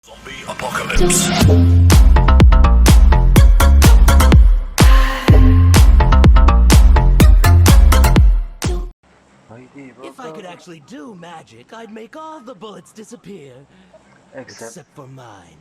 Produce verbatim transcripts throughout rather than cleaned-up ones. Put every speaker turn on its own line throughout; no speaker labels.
Zombie apocalypse.
If I could actually do magic, I'd make all the bullets disappear.
Except,
Except for mine.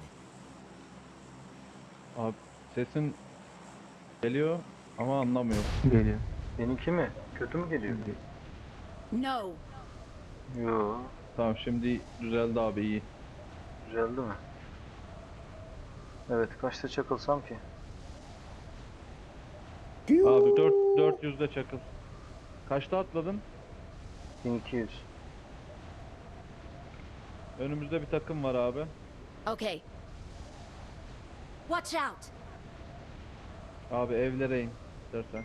Abi sesin geliyor ama anlamıyor.
Geliyor.
benimki mi? Kötü mü geliyor?
No.
Yo,
Tamam şimdi düzeldi abi, iyi.
düzeldi mi? Evet, kaçta çakılsam ki?
Abi dört dört yüzde çakıl. Kaçta atladın?
bin iki yüz.
Önümüzde bir takım var abi.
Okay. Watch out.
Abi evlere in dersen.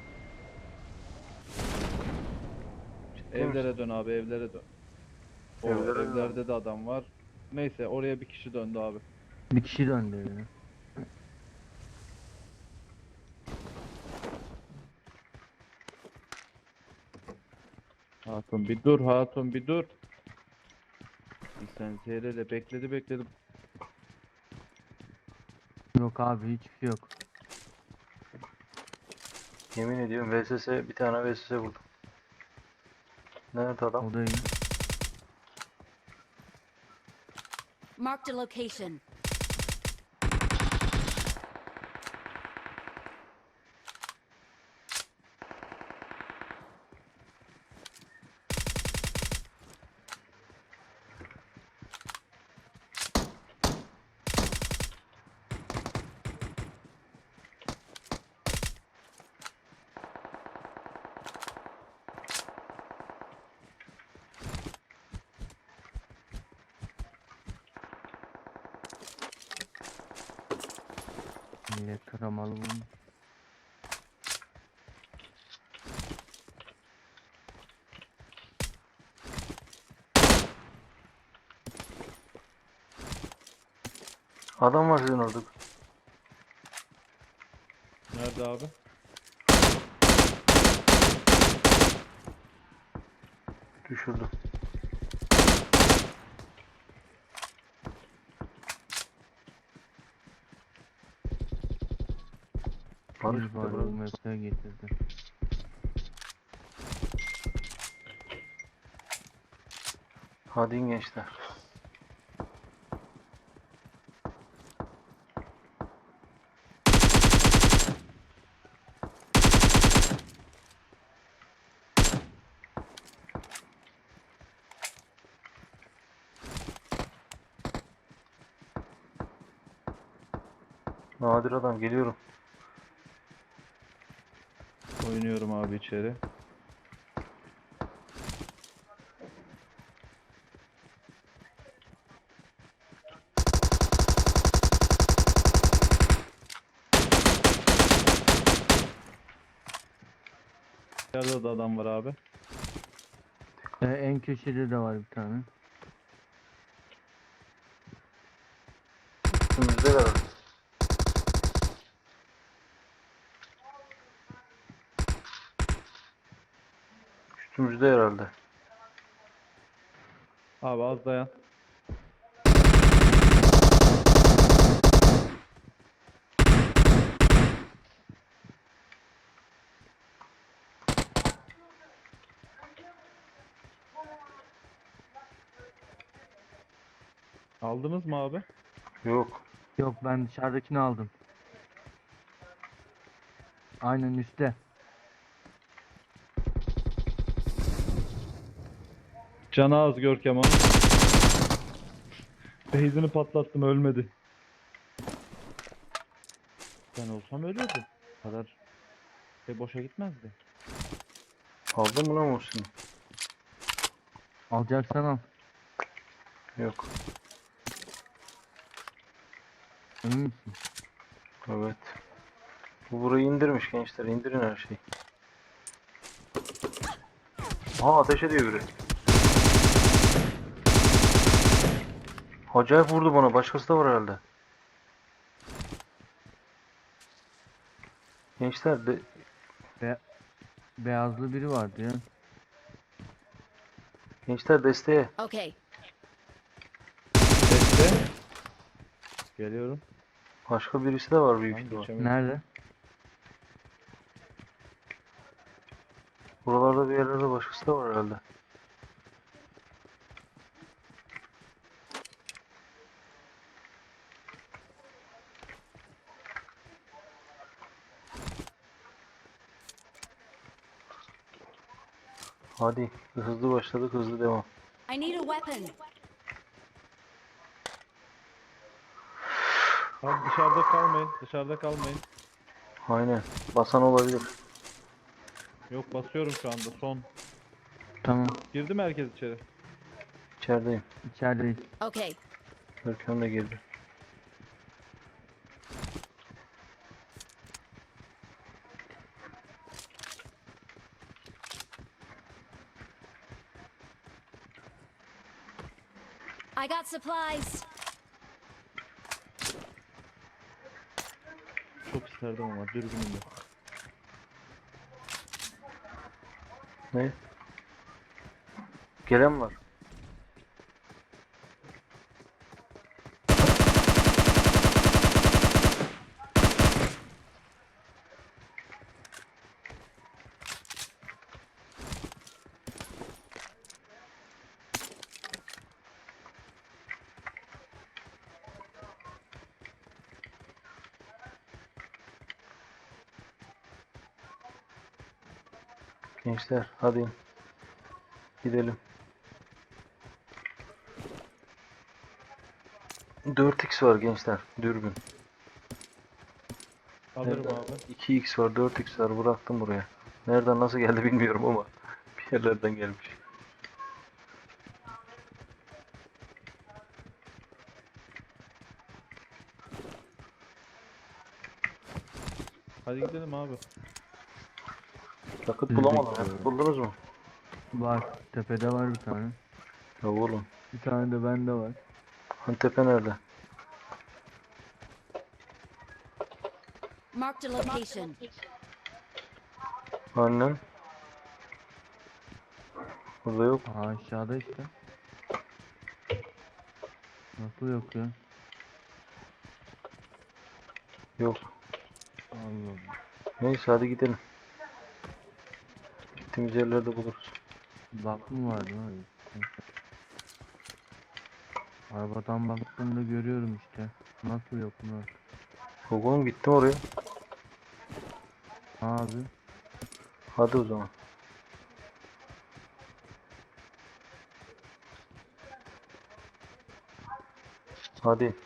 Ciddi
Evlere
misin?
dön abi, evlere dön. O
Evlere dön.
evlerde de adam var. Neyse oraya bir kişi döndü abi.
Bir kişi döndü ya.
Hatun bir dur, hatun bir dur. Bir sen seyreyle bekledi bekledi.
Yok abi hiçbir şey yok.
Yemin ediyorum V S S, bir tane V S S buldum. Nerede adam?
O da iyi.
Marked a location.
Millet taramalı bunu.
Adam var sizin orada.
Nerede abi?
Düşürdüm. Barış
Bir
bir
var
de
bu mesleğe getirdi.
Hadi in gençler. Nadir adam, geliyorum.
Oynuyorum abi içeri. Nerede de adam var abi.
Ee, en köşede de var bir tane.
Üstümüzde var. Üstümüzde herhalde.
Abi az dayan. Aldınız mı abi?
Yok.
Yok ben dışarıdakini aldım. Aynen üstte.
Canı az Görkem onun. Beyzini patlattım, ölmedi. Ben olsam ölürdü. Bu kadar şey boşa gitmezdi.
Aldın mı lan Muhsin?
Alacaksan al.
Yok.
Emin misin?
Evet. Bu burayı indirmiş gençler. İndirin her şeyi. Aa, ateş ediyor biri. Acayip vurdu bana. Başkası da var herhalde. Gençler de
Be beyazlı biri vardı ya.
gençler desteğe.
Okay.
Bekle. Geliyorum.
Başka birisi de var büyük
Lan
ihtimal.
geçemedim.
Nerede?
Buralarda bir yerlerde başkası da var herhalde. Hadi hızlı başladık, hızlı devam.
I need a weapon.
Abi dışarıda kalmayın. Dışarıda kalmayın.
Aynen. Basan olabilir.
Yok basıyorum şu anda. Son.
Tamam.
Girdi mi herkes içeri?
İçerideyim.
İçerideyiz.
Okay.
Görkem de girdi.
I got supplies.
Çok isterdim ama dürbünüm yok.
Ne? Gelen var. Gençler hadi gidelim. dört x var gençler, dürbün.
Alırım
Nereden?
abi.
iki x var, dört x var, bıraktım buraya. Nereden nasıl geldi bilmiyorum ama bir yerlerden gelmiş.
Hadi gidelim abi.
Yakıt
Biz
bulamadım.
bekliyoruz.
Yakıt buldunuz mu?
Var. Tepede var bir tane.
Ya oğlum.
Bir tane de bende var.
Antepe nerede?
Marked a location.
Annen. Burada yok.
Aa, aşağıda işte. Nasıl yok ya?
Yok.
Allah Allah.
Neyse hadi gidelim. Gittiğimiz yerlerde buluruz.
Bak mı vardı abi? Arabadan baktığımda görüyorum işte. Nasıl yok mu?
Yok oğlum, gittim oraya.
Abi.
Hadi o zaman. Hadi.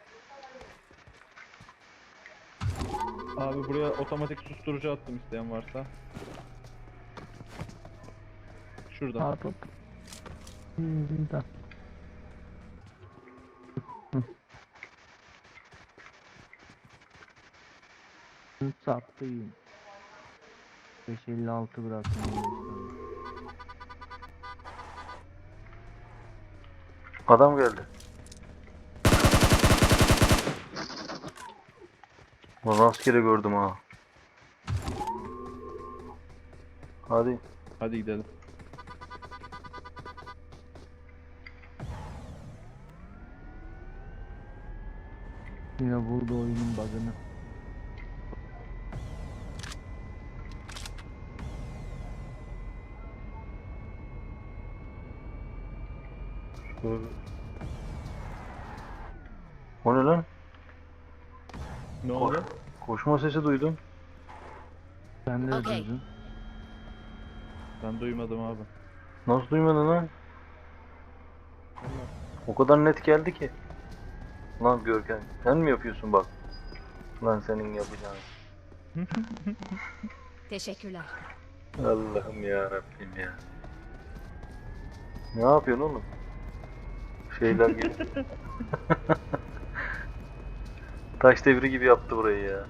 Abi buraya otomatik susturucu attım isteyen varsa. Şurada.
Abi. Hmm, da. Hı. Sattıyım. beş elli altı bıraktım.
Adam geldi. Lan rastgele gördüm ha. Hadi.
Hadi gidelim.
Yine buldu oyunun bug'ını.
Şöyle. O ne lan?
Ne
Koş.
oldu?
Koşma sesi duydum.
Sen de
Okey.
duydun.
Ben duymadım abi.
Nasıl duymadın lan? O kadar net geldi ki. Lan Görkem, sen mi yapıyorsun bak? Lan senin yapacağın.
Teşekkürler.
Allah'ım ya Rabbim ya. Ne yapıyorsun oğlum? Şeyler gibi. Taş devri gibi yaptı burayı ya.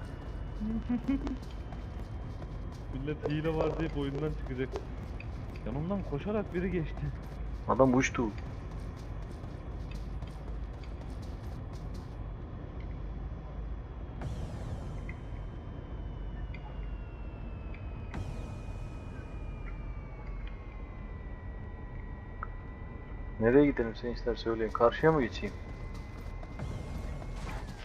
Millet hile var deyip oyundan çıkacak. Yanımdan koşarak biri geçti.
Adam uçtu. Nereye gidelim sen ister söyleyin. Karşıya mı geçeyim?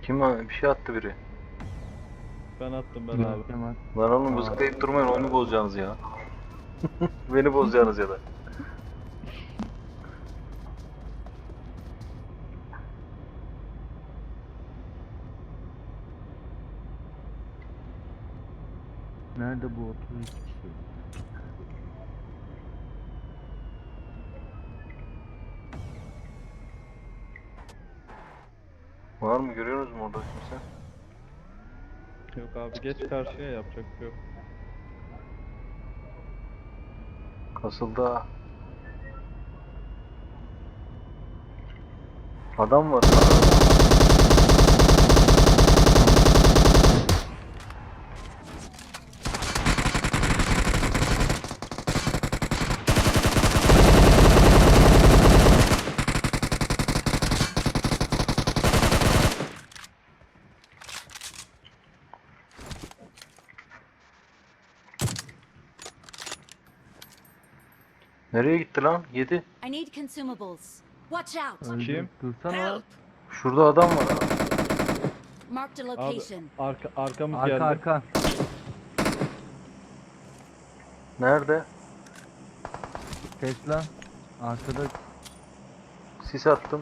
Kim a- bir şey attı biri.
Ben attım ben abi.
Görkem at.
Lan oğlum
Aa.
zıplayıp durmayın, oyunu bozacaksınız ya. Beni bozacaksınız ya da.
Nerede bu otuz iki kişi?
Var mı, görüyorsunuz mu orada kimse?
Yok abi geç karşıya, yapacak bir şey yok.
Kasıldı ha. Adam var. Nereye gitti lan? Yedi.
I need consumables. Watch out.
Öldü.
Kim?
Dursana.
Help!
Şurada adam var.
Marked a
Abi
location.
arka, arkamız
Arka
geldi.
arka.
Nerede?
Tesla. Arkada
Sis attım.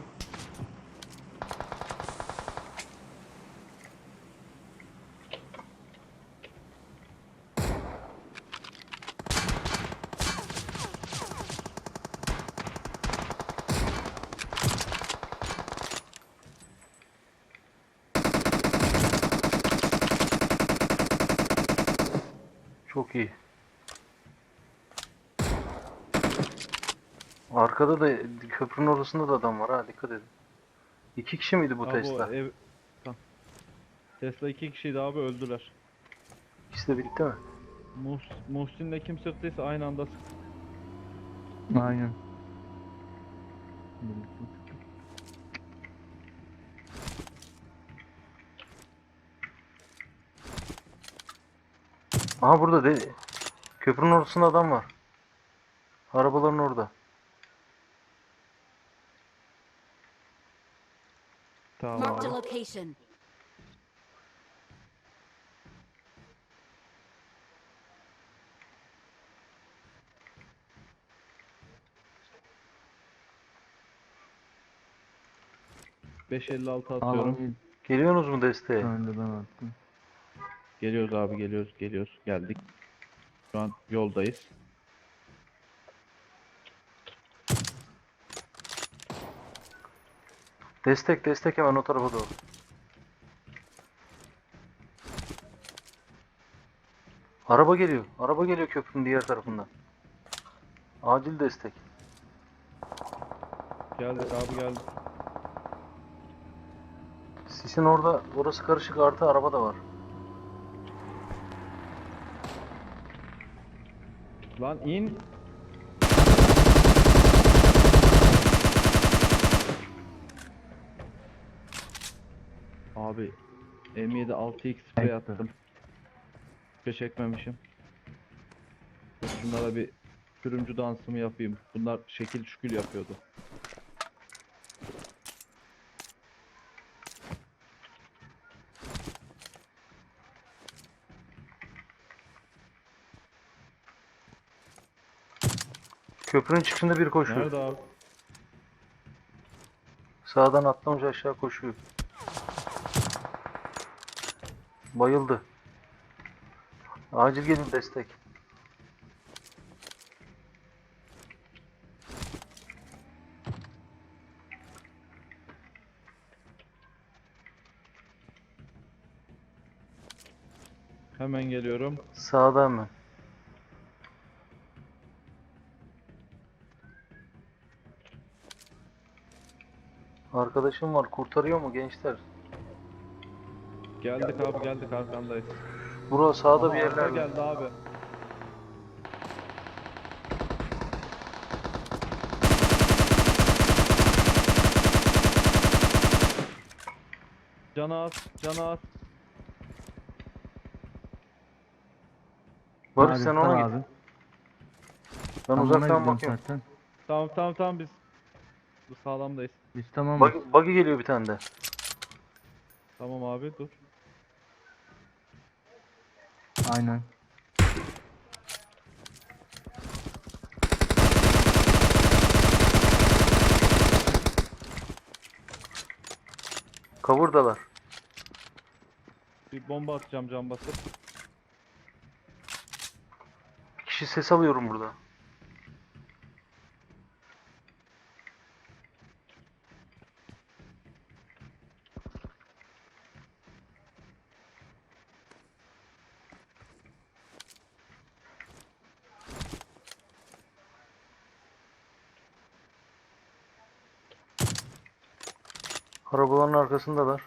Çok iyi. Arkada da, köprünün orasında da adam var ha, dikkat edin. İki kişi miydi bu
Abi
Tesla?
o ev... Tamam. Tesla iki kişiydi abi, öldüler.
İkisi de bitti mi?
Muhs Muhsin'le kim sıktıysa aynı anda sıktı.
aynen.
Aha burada de, köprünün ortasında adam var. Arabaların orada.
Tamam
Marked a
abi.
location.
beş elli altı atıyorum.
Alan
Geliyorsunuz mu desteğe?
önde ben attım.
Geliyoruz abi, geliyoruz geliyoruz. Geldik. Şu an yoldayız.
Destek destek, hemen o tarafa doğru. Araba geliyor. Araba geliyor köprünün diğer tarafından. Acil destek.
Geldik abi, geldik.
Sisin orada, orası karışık, artı araba da var.
Lan in. Abi M yedi altı x spray
Ekti.
attım. Hiçbir şey çekmemişim. Dur, şunlara bir sürümcü dansımı yapayım. Bunlar şekil şükül yapıyordu.
Köprünün çıkışında biri koşuyor.
Nerede abi?
Sağdan atlamış aşağı koşuyor. Bayıldı. Acil gelin destek.
Hemen geliyorum.
Sağda hemen. Arkadaşım var, kurtarıyor mu gençler?
Geldik abi, geldik, arkandayız.
Bura sağda
Aha,
bir
arka
yerlerde.
geldi abi. Canı az, canı az.
Barış
Hadi
sen
sal
ona
abi.
git. Ben
Tam ona
uzaktan
gidiyorum
bakıyorum.
zaten.
Tamam tamam tamam, biz bu sağlamdayız.
Biz tamam.
Buggy, buggy geliyor bir tane de.
Tamam abi dur.
Aynen.
Kavurdalar.
Bir bomba atacağım cam basıp.
Kişi ses alıyorum burada. Arabaların arkasındalar.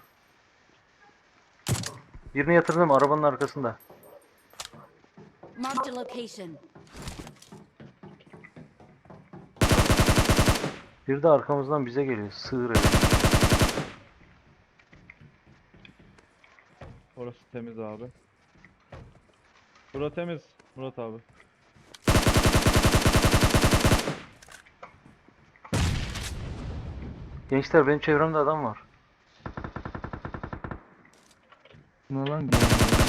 Birini yatırdım arabanın arkasında.
Marked a location.
Bir de arkamızdan bize geliyor. Sığır herif.
Orası temiz abi. Bura temiz Murat abi.
Gençler benim çevremde adam var.
Ne lan gel.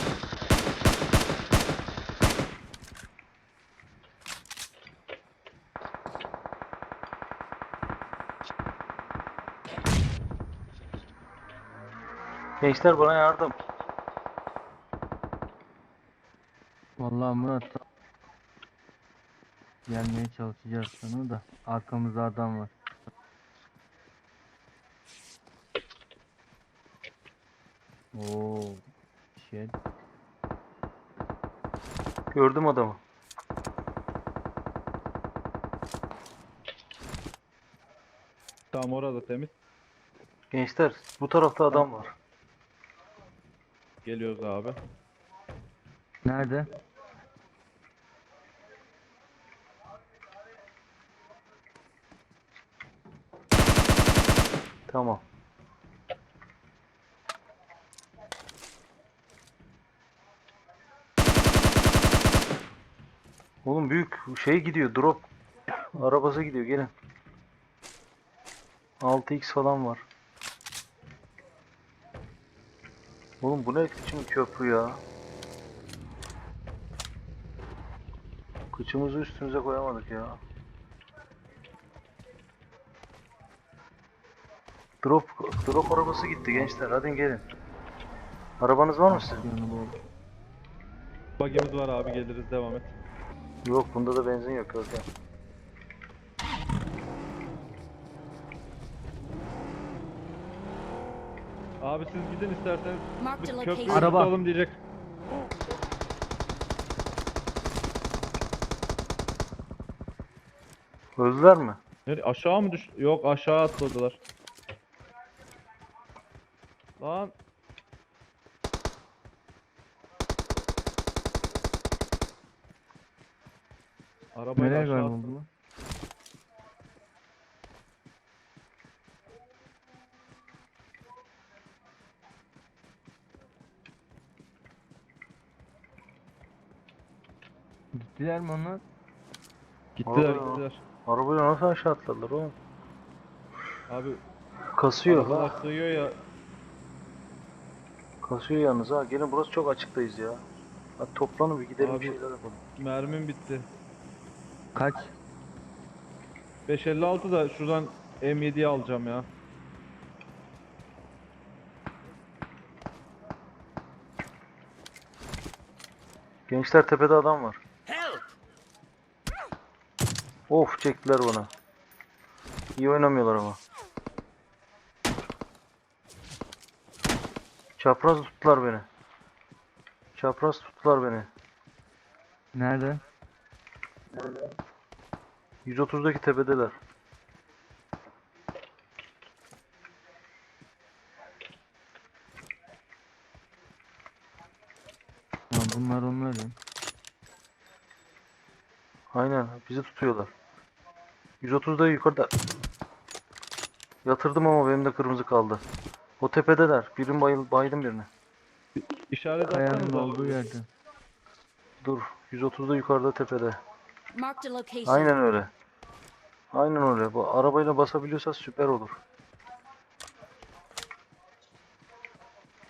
Gençler bana yardım.
Vallahi Murat. Gelmeye çalışacağız sana da. Arkamızda adam var. Oo. Şey.
Gördüm adamı.
Tamam orada temiz.
Gençler bu tarafta adam var.
Geliyoruz abi.
Nerede?
Tamam. Oğlum büyük şey gidiyor drop. Arabası gidiyor gelin. altı x falan var. Oğlum bu ne biçim köprü ya. Kıçımızı üstümüze koyamadık ya. Drop drop arabası gitti gençler. Hadi gelin. Arabanız var mı sizin?
Yanı bol.
Bagimiz var abi geliriz devam et.
Yok bunda da benzin yok Görkem.
Abi siz gidin isterseniz.
Marked a
Biz köprüyü
location.
Araba.
tutalım diyecek.
Öldüler mi?
Nereye? Aşağı mı düş? Yok aşağı atladılar. Lan. Arabayı
Nereye
aşağı
kayboldu
atladı.
lan? Gittiler mi onlar?
Gittiler
Aa.
gittiler.
Arabayla nasıl aşağı atladılar oğlum?
Abi
Kasıyor
arabalar
ha.
sığıyor ya.
Kasıyor yalnız ha. Gelin burası çok açıktayız ya. Hadi toplanın bir gidelim
Abi-
bir şeyler yapalım.
Mermim bitti.
Kaç?
beş elli altı da şuradan M yediyi alacağım ya.
Gençler tepede adam var.
Help!
Of çektiler bana. İyi oynamıyorlar ama. Çapraz tuttular beni. Çapraz tuttular beni.
Nerede?
yüz otuzdaki tepedeler.
Ya bunlar onlar ya.
Aynen bizi tutuyorlar. yüz otuzda yukarıda. Yatırdım ama benim de kırmızı kaldı. O tepedeler. Birim bayıl baydım birine.
İşaret
Kayanın
atsanıza.
olduğu yerde.
Dur. yüz otuzda yukarıda tepede.
Marked a location.
Aynen öyle. Aynen öyle. Bu arabayla basabiliyorsa süper olur.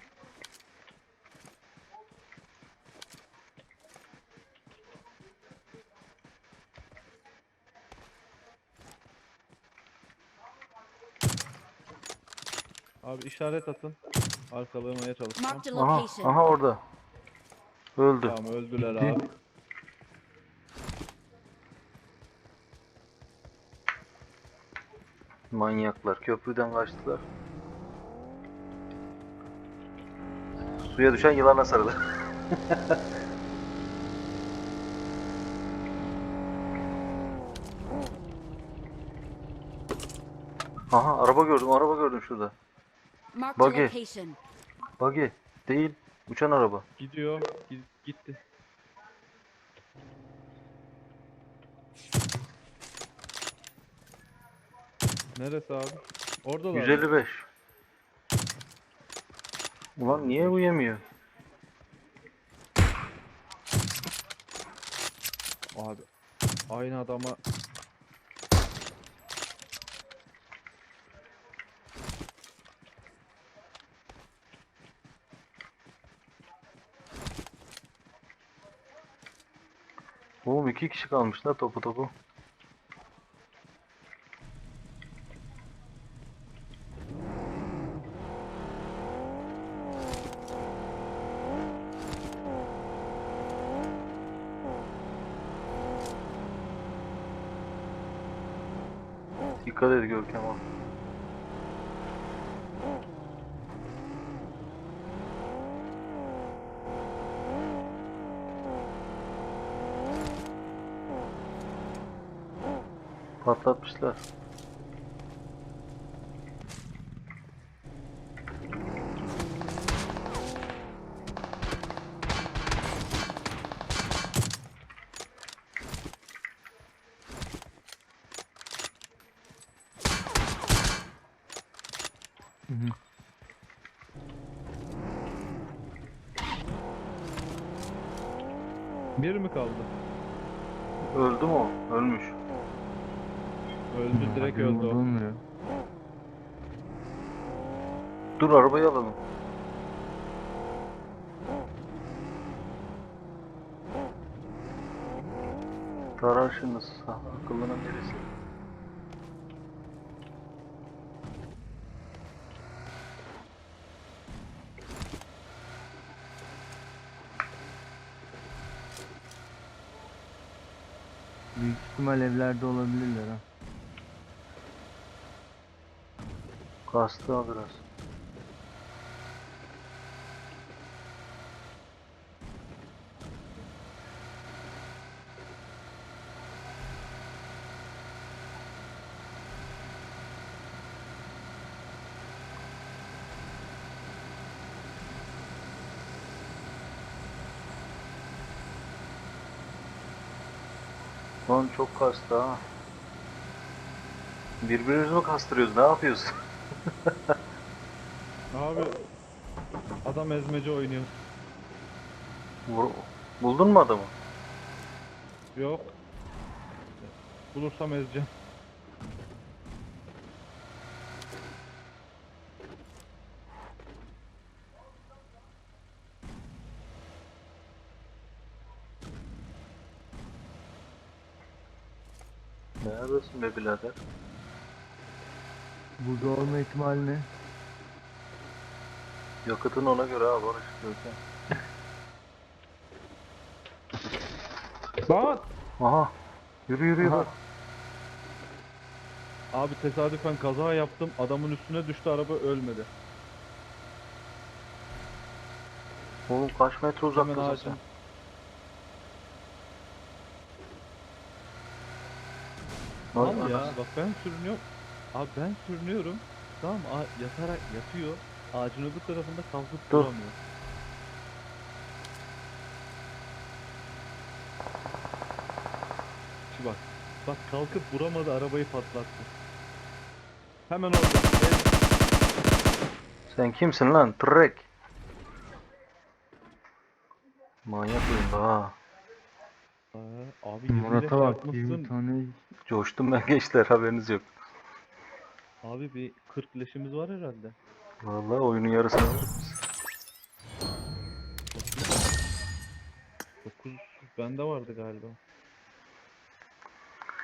Abi işaret atın. Arkalamaya çalışacağım.
Marked a
Aha,
location.
aha orada. Öldü.
Tamam öldüler
Gitti.
abi.
Manyaklar köprüden kaçtılar. Suya düşen yılana sarılır. Aha araba gördüm, araba gördüm şurada.
Marked a
Buggy.
location.
Buggy değil, uçan araba.
Gidiyor. Gi- gitti. Neresi abi? Oradalar
yüz
mı?
elli beş. Ulan niye bu yemiyor?
Abi aynı adama
Oğlum iki kişi kalmış la topu topu. Dikkat et Görkem abi. Patlatmışlar.
Hı hı.
bir mi kaldı?
Öldü mü o? Ölmüş.
Öldü direkt
Benim
öldü o.
vurulmuyor.
Dur arabayı alalım. Taraşınız akıllının birisi.
Büyük ihtimal evlerde olabilirler ha.
Kastı o biraz. Lan çok kastı ha. Birbirimizi mi kastırıyoruz? Ne yapıyoruz?
Abi adam ezmece oynuyor.
Vur- Buldun mu adamı?
Yok. Bulursam ezeceğim.
Neredesin be birader?
Burada olma ihtimali ne?
Yakıtın ona göre ha Barış Görkem.
Lan!
Aha. Yürü yürü yürü.
Aha. Abi tesadüfen kaza yaptım. Adamın üstüne düştü araba ölmedi.
Oğlum kaç metre
Hemen
uzaktasın
ağacın.
sen?
Tamam
Lan
ya
anasını-
bak ben sürünüyorum. Abi ben sürünüyorum. Tamam a- yatarak yatıyor. Ağacın öbür tarafında kalkıp
Dur.
duramıyor. Şu bak. Bak kalkıp vuramadı arabayı patlattı. Hemen orada. El-
Sen kimsin lan? Trek. Manyak oyunda ha.
Aa, abi yirmi leş
Murat'a bak
yapmışsın.
yirmi tane.
Coştum ben gençler haberiniz yok.
Abi bir kırk leşimiz var herhalde.
Vallahi oyunun yarısını aldık biz.
dokuz bende vardı galiba.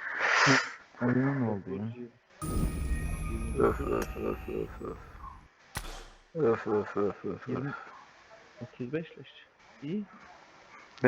Oyuna ne oldu ya?
dokuz, yirmi.
Öf öf öf öf öf. Öf öf öf öf öf.
yirmi otuz beş leş. İyi.